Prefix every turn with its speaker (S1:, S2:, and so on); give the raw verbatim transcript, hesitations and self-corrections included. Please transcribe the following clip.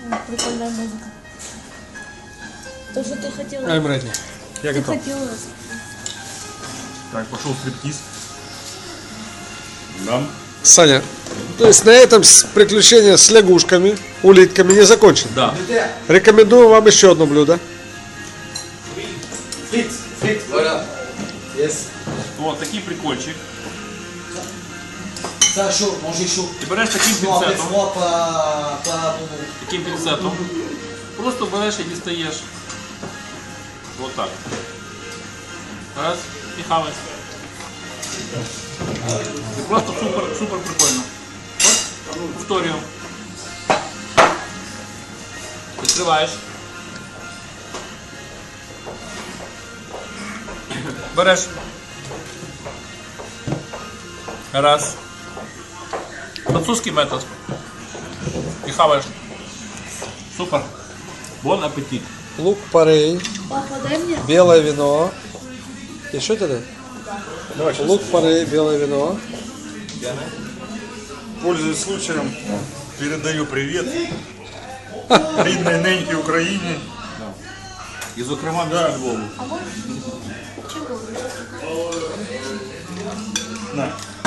S1: Прикольная музыка. То, что ты хотела.
S2: I'm ready. Я
S1: Ты
S2: готов.
S1: хотела.
S3: Так, пошел стриптиз. Да.
S2: Саня, то есть на этом с- приключения с лягушками, улитками не закончено.
S3: Да.
S2: Рекомендую вам еще одно блюдо.
S4: Fritz, Fritz, voilà. Yes.
S3: Вот такий прикольчик.
S4: Ça chaud, manger chaud.
S3: Ти береш таким
S4: Non, après
S3: пінцетом,
S4: froid, pas, pas bon.
S3: таким пінцетом. Просто береш і дістаєш. Вот так. Раз, і хаваєш. Це просто супер, супер прикольно. От, повторюю. Відкриваєш. Береш. Раз. Французький метод. І хаваєш. Супер. Бон апетит.
S2: Лук порей,
S1: Папа, дай мне.
S2: белое вино. Еще тебе? Лук порей, белое вино.
S3: Пользуясь случаем, передаю привіт рідній ненькій Україні. І, зокрема, місту Львову.
S1: А можно? Чего?
S3: На.